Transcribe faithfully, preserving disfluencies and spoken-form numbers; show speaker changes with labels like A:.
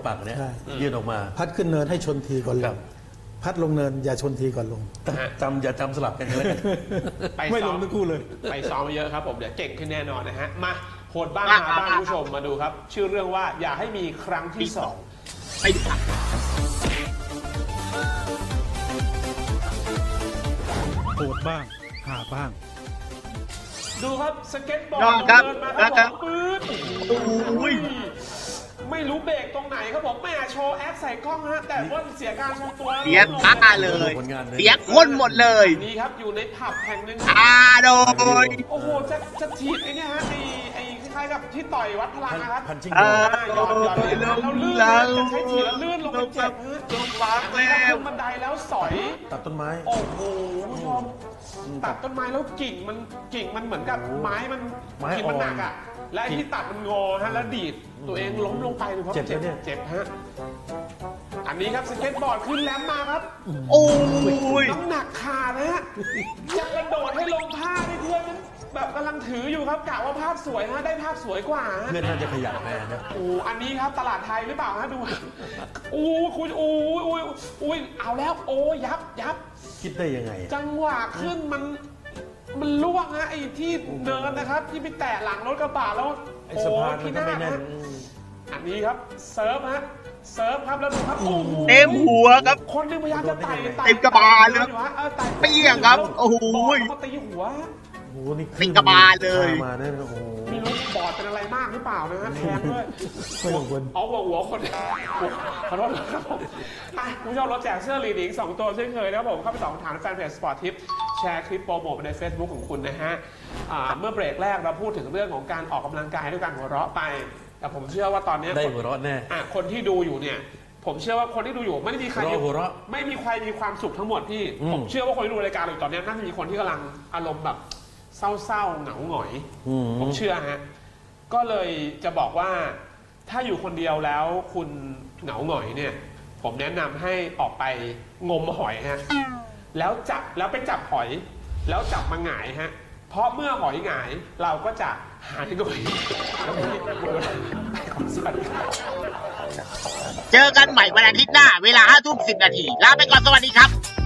A: ปากเนี่ย
B: ใช่
A: ยื่นออกมา
B: พัดขึ้นเนินให้ชนทีก่อนล
A: ครั
B: ง
A: บ
B: พัดลงเนินอย่าชนทีก่อนลง
A: จำอย่าจำสลับกันเลย
C: ไป
B: ไม่
C: ซ้
B: ล
C: อม
B: งทั้งคู่เลย
C: ไปซ้อมมาเยอะครับผมเดี๋ยวเก่งขึ้นแน่นอนนะฮะมาโหดบ้างหาบ้างคุณผู้ชมมาดูครับ ชื่อเรื่องว่าอย่าให้มีครั้งที่สอง
D: ไปดูครับ
E: โหดบ้างหาบ้าง
C: ดูครับสเก็ตบอร์ด
D: ยอดครับ
C: เดินมา
D: แล้ว
C: ค
D: ครั
C: รับบ ผมปื๊ด
D: โอ้ย
C: ไม่รู้เบรกตรงไหนครับผมแม่โชว์แอคใส่กล้องฮะแต่ว่าเสียการทรงตัว
D: เสียท่าเลย
A: ผลงานเลย
D: เสียคนหมดเลย
C: นี่ครับอยู่ในผับแห่งหนึ่ง
D: อาโดย
C: โอ้โหจะจะถีบไอ้เนี่ยฮะไอ้ไอ้คล้ายๆกับที่ต่อยวัดพลังนะครับ
A: พันชิง
D: เอ
A: โด
D: อ
C: หย่อนหย่อนเลยนะแล้วลื่นเลยจะใช้ถีบแล้วลื่นลงไปเจ็บฮะ
D: ลงมาแล้
C: แล้ว
D: ว
C: ขึ้นบันไดแล้วสอย
A: ตัดต้นไม้
C: โอ้โหคุณผู้ชมตัดต้นไม้แล้วกิ่งมันกิ่งมันเหมือนกับไม้มัน
A: ไม้
C: กิ่งมันหนักอ่ะ และไอ้
A: กิ่ง
C: ที่ตัดมันงอฮะแล้วดีดตัวเองล้มลงไปดูครับ
A: เจ็บไหมเนี่ย
C: เจ็บฮะอันนี้ครับสเก็ตบอร์ดขึ้นแลมมาครับ
D: โอ้ย
C: น้ำหนักขาดนะฮะจะกระโดดให้ลงผ้าให้เพื่อนมันแบบกำลังถืออยู่ครับกะว่าภาพสวยฮะได้ภาพสวยกว่าฮะ
A: เพื่อนน่าจะขยันแน่นะ
C: โอ้อันนี้ครับตลาดไทยหรือเปล่าฮะดูโอ้คุณโอ้ยโอ้ยโอ้ยเอาแล้วโอ้ยับยับ
A: คิดได้ยังไง
C: จังหวะขึ้นมันมันล่วงฮะไอ้ที่เดินนะครับ ที่ไปแตะหลังรถกระบะแล้ว
A: ไอ้สะพานมันก็ไม่แน่น
C: ฮะอันนี้ครับเซิร์ฟฮะเซิร์ฟครับแล้วดูครับโอ้โห
D: เต็มหัวครับ
C: คนหนึงพยายามจะไต่ไต่
D: เต็มกระบาลเลยครับ
C: อยู่ฮะออไต่
D: เปี้ยงครับโอ้โห
C: บอลเขาตีหัว
A: โอ้โหนี่
D: เป็นกระบาลเลย
A: มาเนี่ยโอ้โห
C: ไม่รู้บอดเป็นอะไรมากหรือเปล่านะฮะแทงด้วย
B: ไม่ต้องกลัว
C: เอาหัวหัวคนขอโทษครับผมอ่ะคุณผู้ชมเราแจกเสื้อลีดอีกสองตัวเช่นเคยนะครับผมเข้าไปตอบคำถามในแฟนเพจสปอร์ตทิปแชร์คลิปโปรโมทใน Facebook ของคุณนะฮะอ่าเมื่อเบรกแรกเราพูดถึงเรื่องของการออกกำลังกายด้วยการหัวเราะไป แต่ผมเชื่อว่าตอนนี้
A: ได้หัวเราะแน่
C: อ่ะคนที่ดูอยู่เนี่ยผมเชื่อว่าคนที่ดูอยู่ไม่ได้มีใคร
A: หัวเราะหัวเราะ
C: ไม่มีใครมีความสุขทั้งหมดพี่
A: อืม
C: ผมเชื่อว่าคนที่ดูรายการอยู่ตอนนี้น่าจะมีคนที่กำลังอารมณ์แบบเศร้าๆเหงาหงอย
A: อืม
C: ผมเชื่อฮะ ก็เลยจะบอกว่าถ้าอยู่คนเดียวแล้วคุณเหงาหงอยเนี่ย ผมแนะนำให้ออกไปงมหอยฮะ แล้วจับแล้วไปจับหอย แล้วจับมาหงายฮะ เพราะเมื่อหอยหงายเราก็จะหายหงอยแล้วไม่ได้ปวดสวัสดีครับ
D: เจอกันใหม่วันอาทิตย์หน้า เวลาห้าทุ่มสิบนาทีลาไปก่อนสวัสดีครับ